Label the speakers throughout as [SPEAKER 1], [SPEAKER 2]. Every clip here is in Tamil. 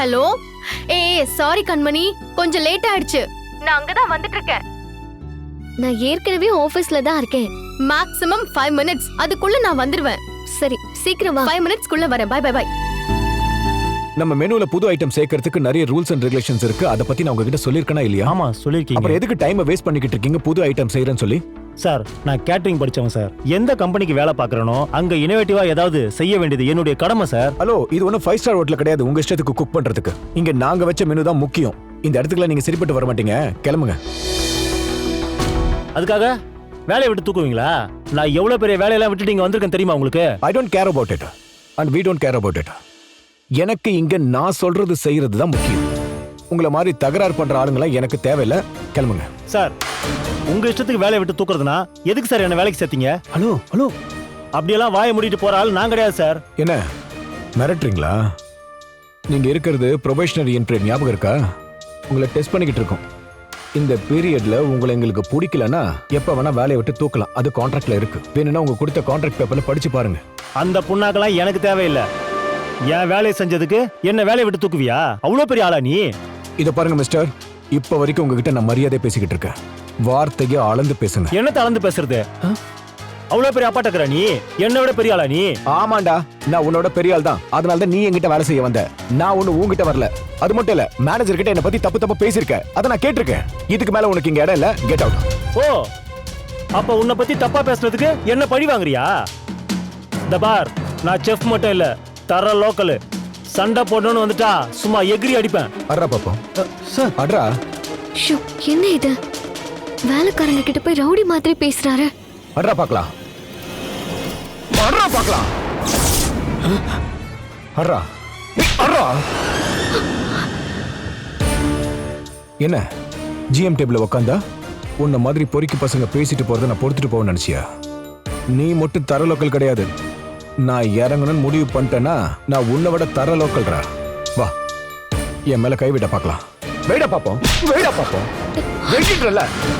[SPEAKER 1] ஹலோ. சாரி கண்மணி, கொஞ்சம் லேட் ஆயிடுச்சு. நான் அங்கதான் வந்துட்டு இருக்கேன்.
[SPEAKER 2] நான் ஏற்கனவே ஆபீஸ்ல தான் இருக்கேன்.
[SPEAKER 1] மேக்ஸிமம் 5 minutes, அதுக்குள்ள நான் வந்துருவேன்.
[SPEAKER 2] சரி, சீக்கிரம் வா.
[SPEAKER 1] 5 minutes குள்ள வரேன். Bye bye bye.
[SPEAKER 3] நம்ம மெனுல புது ஐட்டம் சேர்க்கறதுக்கு நிறைய ரூல்ஸ் அண்ட் ரெகுலேஷன்ஸ் இருக்கு. அத பத்தி நான் உங்ககிட்ட சொல்லிருக்கனா இல்லையா?
[SPEAKER 4] ஆமா சொல்லிருக்கீங்க.
[SPEAKER 3] அப்புறம் எதுக்கு டைமை வேஸ்ட் பண்ணிக்கிட்டு இருக்கீங்க புது ஐட்டம் செய்யறேன்னு சொல்லி?
[SPEAKER 4] சார், நான் கேட்டரிங் படிச்சவன் சார். எந்த கம்பெனிக்கு வேலை பார்க்கறனோ அங்க இனோவேட்டிவா ஏதாவது செய்ய வேண்டியது என்னுடைய கடமை சார்.
[SPEAKER 3] ஹலோ, இது ஒன்றும் 5 ஸ்டார் ஹோட்டல் கிடையாது உங்க இஷ்டத்துக்கு குக் பண்றதுக்கு. இங்க நாங்க வச்ச மெனு தான் முக்கியம். இந்த இடத்துக்குலாம் நீங்க சரிப்பட்டு வர மாட்டீங்க. கிளம்புங்க.
[SPEAKER 4] அதுக்காக வேலையை விட்டு தூக்குவீங்களா? நான் எவ்வளவு பெரிய வேலையெல்லாம் விட்டுட்டு இங்க வந்திருக்கேன் தெரியுமா உங்களுக்கு?
[SPEAKER 3] I don't care about it and we don't care about it. எனக்கு இங்க நான் சொல்றது செய்யறது தான் முக்கியம். உங்களை மாதிரி தகராறு பண்ற ஆளுங்களாம் எனக்கு தேவையில்லை. கிளம்புங்க.
[SPEAKER 4] சார், உங்க இஷ்டத்துக்கு வேலையை விட்டு தூக்குறதுனா எதுக்கு சார் என்ன வேலைக்கு சேர்த்தீங்க?
[SPEAKER 3] ஹலோ ஹலோ,
[SPEAKER 4] அப்படியெல்லாம் வாயை மூடிட்டு போற ஆள் நான் கிடையாது சார்.
[SPEAKER 3] என்ன மிரட்டுறீங்களா? நீங்க இருக்கிறது ப்ரொபேஷனரி பீரியட், ஞாபகம் இருக்கா? உங்களை டெஸ்ட் பண்ணிக்கிட்டு இருக்கோம். இந்த பீரியட்ல உங்களை எங்களுக்கு பிடிக்கலன்னா எப்ப வேணா வேலையை விட்டு தூக்கலாம். அது கான்ட்ராக்ட்ல இருக்கு. வேணும்னா உங்க கொடுத்த கான்ட்ராக்ட் பேப்பர்ல படிச்சு பாருங்க.
[SPEAKER 4] அந்த புண்ணாக்கெல்லாம் எனக்கு தேவையில்லை. என் வேலையை செஞ்சதுக்கு என்ன வேலையை விட்டு தூக்குவியா? அவ்வளவு பெரிய ஆளா நீ?
[SPEAKER 3] இத பாருங்க மிஸ்டர், இப்ப வரைக்கும் உங்ககிட்ட நான் மரியாதை பேசிக்கிட்டு இருக்கேன். வார்த்தையை அளந்து பேசுங்க.
[SPEAKER 4] என்னத்த அளந்து பேசுறது? அவ்வளவு பெரிய அப்பாட்டக்கிற நீ? என்னை விட பெரிய ஆளா நீ?
[SPEAKER 3] ஆமாண்டா, நான் உன்னோட பெரிய ஆள் தான். அதனால தான் நீ என்கிட்ட வேலை செய்ய வந்த. நான் ஒண்ணு உன்கிட்ட வரல. அது மட்டும் இல்ல, மேனேஜர் கிட்ட என்ன பத்தி தப்பு தப்பா பேசியிருக்க. அதை நான் கேட்டிருக்கேன். இதுக்கு மேல உனக்கு இங்க இடம் இல்ல. Get out.
[SPEAKER 4] ஓ, அப்ப உன்னை பத்தி தப்பா பேசுறதுக்கு என்ன பழி வாங்குறியா? இந்த பார், நான் செஃப் மட்டும் இல்ல, தர லோக்கல். சண்டை போடணும்னு வந்துட்டா சும்மா எகிரி அடிப்பேன்.
[SPEAKER 3] அட்ரா பாப்போம். சார் அட்ரா.
[SPEAKER 2] ஷோ, என்ன இது? வேலைக்காரங்க கிட்ட போய் ரவுடி மாதிரி பேசுறாரு.
[SPEAKER 3] அட்ரா பார்க்கலாம். அட்ரா பார்க்கலாம். அட்ரா அட்ரா. என்ன ஜிஎம் டேபிள்ல உட்காந்தா உன்ன மாதிரி பொறுக்கி பசங்க பேசிட்டு போறத நான் பொறுத்துட்டு போவேன்னு நினைச்சியா? நீ மட்டும் தர லோக்கல் கிடையாது. நான் இறங்கணும்னு முடிவு பண்ணிட்டேன்னா நான் உன்னை விட தர லோக்கல்ரா. வா, என் மேல கைவிட பார்க்கலாம். வெயிடா பாப்போம், வெயிடா பாப்போம். வெயிட்றல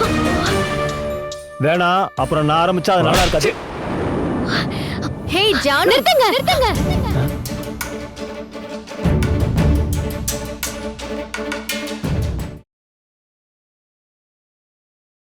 [SPEAKER 4] வேணா, அப்புறம் நான் ஆரம்பிச்சா அது நல்லா இருக்காது.
[SPEAKER 1] ஹே ஜான், நிறுத்துங்க.